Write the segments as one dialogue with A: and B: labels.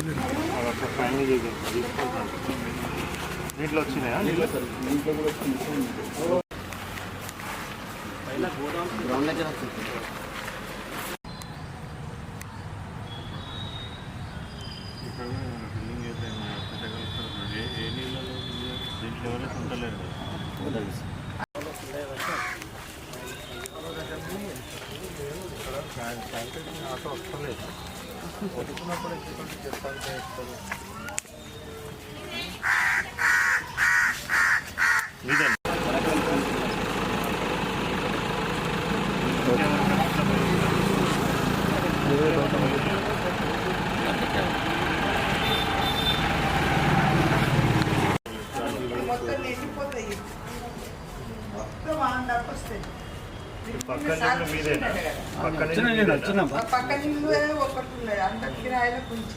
A: Final తీసుకుంటాను. నీటిలో వచ్చినాయా? నీళ్ళు కూడా గ్రౌండ్ దగ్గర వస్తుంది. ఇక్కడ బిల్డింగ్ అయితే ఏ నీళ్ళలో దీంట్లో ఎవరైతే ఉండలేరు కదా. ఆటో వస్తలేదు వస్తున్నప్పుడు చెప్తాను చేస్తారు. మీదండి
B: పక్క నీళ్ళు ఒకటి ఉన్నాయి అంత కిరాయిలో కొంచెం.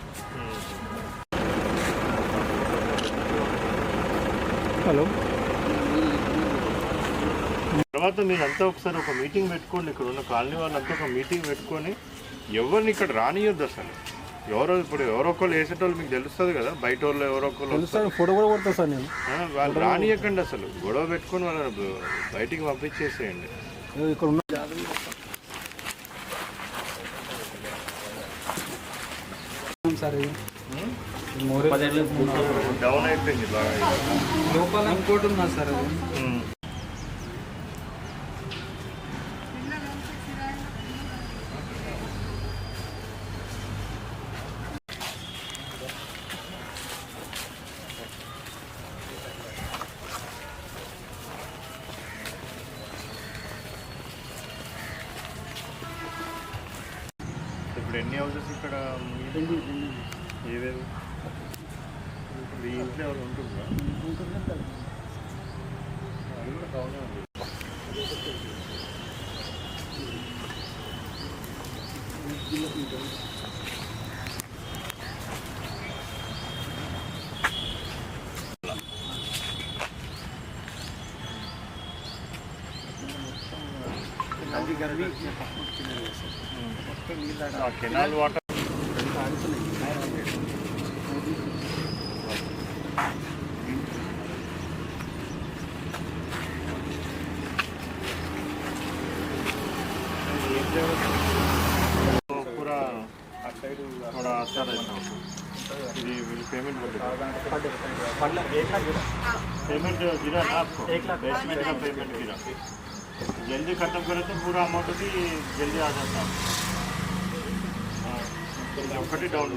A: హలో, తర్వాత మీరంతా ఒకసారి ఒక మీటింగ్ పెట్టుకోండి. ఇక్కడ ఉన్న కాలనీ వాళ్ళంతా ఒక మీటింగ్ పెట్టుకొని ఎవరిని ఇక్కడ రానియొద్దు అసలు. ఇప్పుడు ఎవరో ఒకళ్ళు వేసేటోళ్ళు మీకు తెలుస్తుంది కదా, బయట వాళ్ళు ఎవరో ఒకళ్ళు
C: ఫోటో కూడా కొడతా సార్ నేను.
A: వాళ్ళు రానియకండి అసలు. గొడవ పెట్టుకొని వాళ్ళని బయటికి పంపించేసేయండి.
C: ఇక్కడ ఉన్న సార్
A: డౌన్ అయిపోయింది బాగా.
C: లోపల ఇంకోటి ఉన్నా సార్ అది.
A: ఇప్పుడు ఎన్ని హౌసెస్ ఇక్కడ? ఏవేవి? మీ ఇంట్లో ఎవరు ఉంటుందా? అది కూడా బాగానే ఉంది. కెనాల్ వాటర్ पूरा थोड़ा अच्छा रहता है. पेमेंट पेमेंट गिरा ना आपको? 1 लाख बेसमेंट का पेमेंट गिरा. जल्दी खत्म करें तो पूरा अमाउंट भी जल्दी आ जाता है. ఒకటి డౌన్